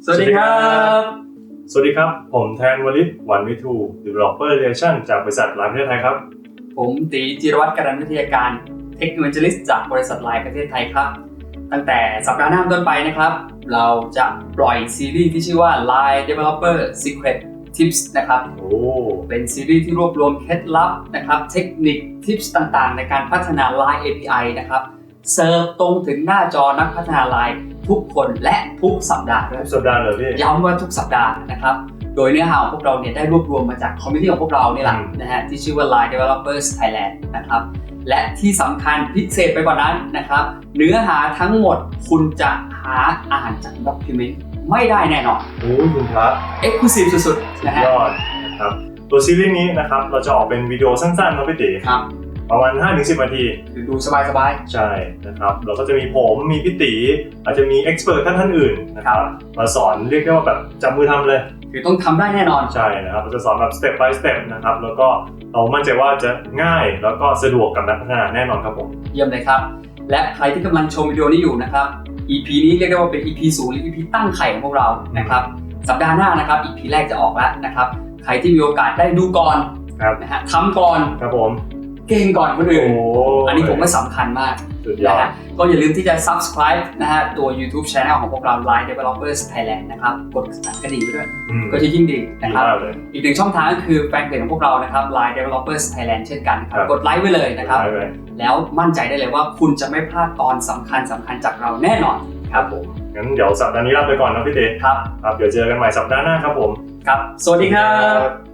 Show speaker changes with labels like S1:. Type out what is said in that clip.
S1: สวัสดีครับ
S2: สวัสดีครับผมแทนวลิศวันวิทู Developer Relation จากบริษัทไลน์ประเทศไทยครับ
S1: ผมตีจิรวัฒน์การันวิทยาการ Tech-Evangelist จากบริษัทไลน์ประเทศไทยครับตั้งแต่สัปดาห์หน้าต้นไปนะครับเราจะปล่อยซีรีส์ที่ชื่อว่า Line Developer Secret Tips นะครับเป็นซีรีส์ที่รวบรวมเคล็ดลับนะครับเทคนิคทิปส์ต่างๆในการพัฒนา Line API นะครับเสิร์ฟตรงถึงหน้าจอนักพัฒนา Line ทุกคนและทุกสัปดาห์ด้วย
S2: ทุกสัปดาห์เลยพี่
S1: ย้ำว่าทุกสัปดาห์นะครับโดยเนื้อหาของพวกเราเนี่ยได้รวบรวมมาจากคอมมิชชั่นของพวกเรานี่แหละนะฮะที่ชื่อว่า Line Developers Thailand นะครับและที่สำคัญพิเศษไปกว่านั้นนะครับเนื้อหาทั้งหมดคุณจะหาอ่านจากด็อกิเมนต์ไม่ได้แน่นอน
S2: คุณพระ
S1: Exclusive สุดๆนะฮะ
S2: ยอดนะครับตัวซีรีส์นี้นะครับเราจะออกเป็นวิดีโอสั้นๆนะพี่ตี
S1: ครับ
S2: ประมาณ 5-10 นาที
S1: ดูสบาย
S2: ๆใช่นะครับเราก็จะมีผมมีพี่ตีอาจจะมีเอ็กซ์เพิร์ทท่านอื่นนะครับมาสอนเรียกได้ว่าแบบจับมือทำเลย
S1: คือต้องทำได้แน่นอน
S2: ใช่นะครับเราจะสอนแบบ step by step นะครับแล้วก็เรามั่นใจว่าจะง่ายแล้วก็สะดวกกับนักพัฒนาแน่นอนครับผม
S1: เยี่ยมเลยครับและใครที่กำลังชมวิดีโอนี้อยู่นะครับ EP นี้เรียกได้ว่าเป็น EP 0หรือ EP ตั้งไข่ของพวกเรานะครับสัปดาห์หน้านะครับ EP แรกจะออกแล้วนะครับใครที่มีโอกาสได้ดูก่อนนะฮะทำก่อน
S2: ครับผม
S1: เก่งก่อนคนอื่นอันนี้ผมว่าสำคัญมากนะฮะก็อย่าลืมที่จะ subscribe นะฮะตัว YouTube Channel ของพวกเรา Line Developers Thailand นะครับกดสั่นกระดิ่งไปด้วยก็จะยิ่งดีนะครับอีกหนึ่งช่องทางก็คือแฟนเพจของพวกเรานะครับ Line Developers Thailand เช่นกันครับกดไลค์ไว้เลยนะครับแล้วมั่นใจได้เลยว่าคุณจะไม่พลาดตอนสำคัญจากเราแน่นอนครับผม
S2: งั้นเดี๋ยวสัปดาห์นี้ลาไปก่อนนะพี่เต้
S1: ครับ
S2: เดี๋ยวเจอกันใหม่สัปดาห์หน้าครับผม
S1: ครับสวัสดีครับ